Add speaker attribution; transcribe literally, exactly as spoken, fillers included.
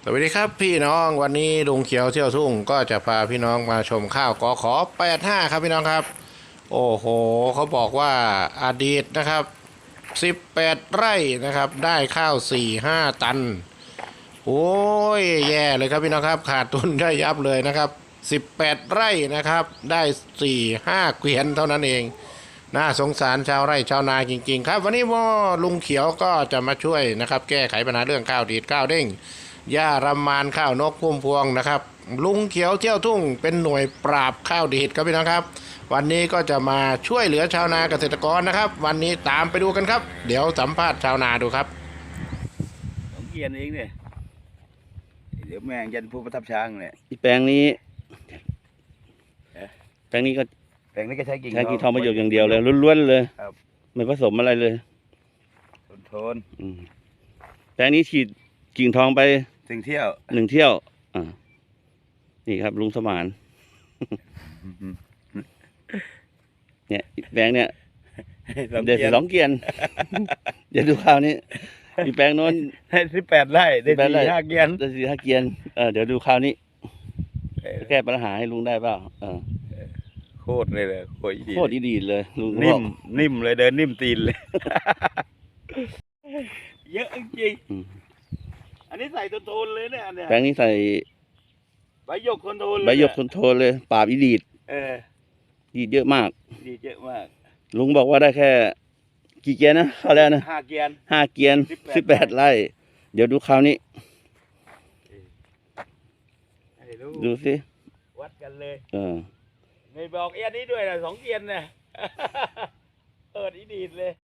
Speaker 1: วัสดีครับพี่น้องวันนี้ลุงเขียวเที่ยวทุ่งก็จะพาพี่น้องมาชมข้าวกอขอแปดห้าครับพี่น้องครับโอ้โหเขาบอกว่าอดีตนะครับสิบแปดไร่นะครับได้ข้าวสี่ห้าตันโอ้ยแย่เลยครับพี่น้องครับขาดทุนได้ยับเลยนะครับสิบแปดไร่นะครับได้สี่ห้าเกวียนเท่านั้นเองน่าสงสารชาวไร่ชาวนาจริงๆครับวันนี้ว่าลุงเขียวก็จะมาช่วยนะครับแก้ไขปัญหาเรื่องข้าวดีดข้าวเด้งหญ้ารำมานข้าวนกพุ่มพวงนะครับลุงเขียวเที่ยวทุ่งเป็นหน่วยปราบข้าวดีดครับพี่น้องครับวันนี้ก็จะมาช่วยเหลือชาวนาเกษตรกรนะครับวันนี้ตามไปดูกันครับเดี๋ยวสัมภาษณ์ชาวนาดูครับ
Speaker 2: สองเกียนเองเนี่ยเดี๋ยวแม่งยันผู้ประทับช้างเนี่ย
Speaker 3: อีแปลงนี้แปลงนี้ก็
Speaker 2: แปลงนี้ก็ใช้กิ่ง
Speaker 3: ใช้กิ่งทองประโยชน์อย่างเดียวเลยล้วนๆเลยไม่ผสมอะไรเลย
Speaker 2: ทนทน
Speaker 3: แปลงนี้ฉีดกิ่งทองไป
Speaker 2: หนึ่งเที่ยว
Speaker 3: หนึ่งเที่ยวอ่านี่ครับลุงสมานเนี่ยแปลงเนี่ยเดี๋ยวสองเกียนเดี๋ยวดูคราวนี้อีแปลงโน้น
Speaker 2: ให้สิบแปดไร่ได้สี่ห้าเกียน
Speaker 3: ได้สี่ห้าเกียนเออเดี๋ยวดูคราวนี้แก้ปัญหาให้ลุงได้เปล่าเออ
Speaker 2: โคตรเลยเลยโคตร
Speaker 3: โคตรดีเลยลุง
Speaker 2: นิ่มนิ่มเลยเดินนิ่มตีนเลยเยอะจริงอันนี้ใส่ต้นโทนเลยเนี่ย
Speaker 3: แปลงนี้ใส่
Speaker 2: ใบหยกคนโทน
Speaker 3: ใบหยกคนโทนเลยปราบอีดีด
Speaker 2: เออ
Speaker 3: ดีดเยอะมาก
Speaker 2: ดีดเยอะมาก
Speaker 3: ลุงบอกว่าได้แค่กี่เกียนนะเขาแล้วนะ
Speaker 2: ห้าเกียน
Speaker 3: ห้าเกียนสิบแปดไร่เดี๋ยวดูคราวนี้ดูสิ
Speaker 2: วัดกันเลย
Speaker 3: เออ
Speaker 2: ไม่บอกเอียนนี้ด้วยนะสองเกียนเนี่ยเออดีดีเลย